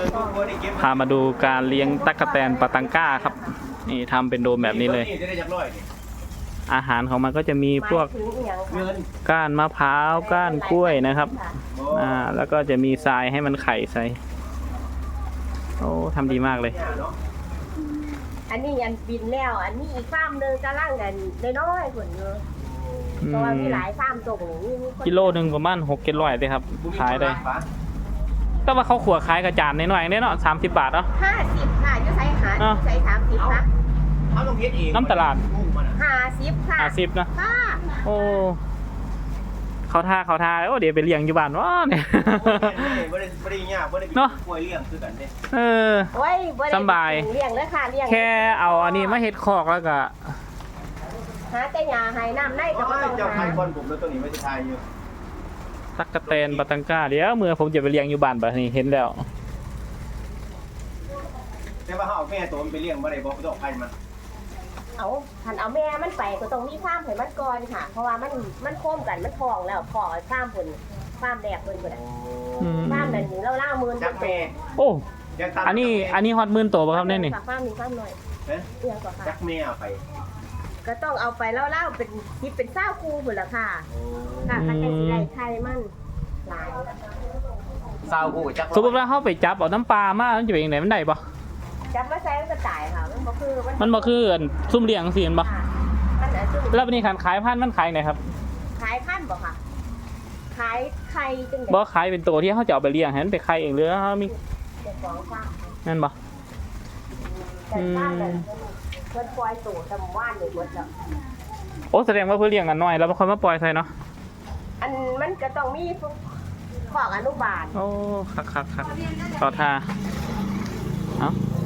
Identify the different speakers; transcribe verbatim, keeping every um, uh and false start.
Speaker 1: พามาดูการเลี้ยงตั๊กแตนปาตังก้าครับนี่ทำเป็นโดมแบบนี้เลยอาหารของมันก็จะมีพวกก้านมะพร้าวก้านกล้วยนะครับอ่าแล้วก็จะมีทรายให้มันไข่ใส่โอ้ทำดีมากเลย
Speaker 2: อันนี้ยันบินแล้วอันนี้อีกฟาร์มหนึ่งจะล่างกันน้อยๆคนเยอะเพราะว่ามีหลายฟาร์มส่งนี่
Speaker 1: กิโลหนึ่งประมาณหกกิโลเลยครับขายได้ก็ว่าเขาขัวขายกระจานน้อยๆเนี่ยเนาะสามสิบบาทเนาะ
Speaker 2: ห้าสิบค่ะจะใช้หาใช้สามสิบนะ
Speaker 1: น้ำตลาด
Speaker 2: ห้าสิบค่ะ
Speaker 1: ห้าสิบนะโอ้เขาท่าเขาท่าโอ้เดี๋ยวไปเลี้ยงอยู่บ้านวะเนี่ยเนาะเออสบาย
Speaker 2: เลี้ยงเลยค่ะเลี้ยง
Speaker 1: แค่เอาอันนี้มาเฮ็ดคอกแล้วก็
Speaker 2: หาแต่ยาให้น้ำได้ก็ต้อง
Speaker 3: หาให้คนผมแล้วตัวนี้ไม่ใช่ทายอยู่
Speaker 1: ตั๊กแตนปาตังก้าเดี๋ยวเมื่อผมจะไปเลี้ยงอยู่บ้านแบบนี้เห็นแล้ว
Speaker 3: แต่ว่าเขาเอาแม่ตัวมันไปเลี้ยงบ่ได้บ่ต้องให้มัน
Speaker 2: เอาหันเอาแม่มันไปก็ต้องมีฟาร์มให้มันก่อนค่ะเพราะว่ามันมันโค้มกันมันทองแล้วพอฟาร์มคนฟาร์มแดกคนคนฟาร์มนั่นนี่เราล่ามือ
Speaker 3: จักแม่
Speaker 1: โอ้อันนี้อันนี้ฮอตมื่นตัวป่ะครับเนี่ยนี่
Speaker 2: ฟาร์มมีฟาร์มหน่อย
Speaker 3: เลี้ยงก่อนค่ะจักแม่เอาไป
Speaker 2: ก็ต้องเอาไปเล่าๆเป็นคิดเป็นเศร้าคูหมดละค่ะค่ะกันแต่สิไรไทยมันหลาย
Speaker 3: เศร้าคูจัก
Speaker 1: สมมติว่าเขาไปจับเอาน้ำปลามามันจะเป็นยังไงมันได้ปะ
Speaker 2: จับมาใช้ก็จ่ายค่ะมันบ่คือ
Speaker 1: มันบ่คือซุ่มเลี้ยงสิมันบ่แล้ววันนี้การขายพันธุ์มันขายไหนครับ
Speaker 2: ขายพันธุ์บ่ค่ะขายไข่จัง
Speaker 1: บ่ขายเป็นตัวที่เขาจะเอาไปเลี้ยงให้มันไปไข่เองหรือเขามีนั่นบ่
Speaker 2: อืมเพิ่นปล่อยตู่ทำว่านเลยหมดแล้ว
Speaker 1: โอ้แสดงว่าเพื่อเลี้ยงกันน้อยแล้วบางคนมาปล่อยใส่เนาะ
Speaker 2: อันมันก็ต้องมีของอนุบาล
Speaker 1: โอ้คักคักคักต่อท่าเอ้า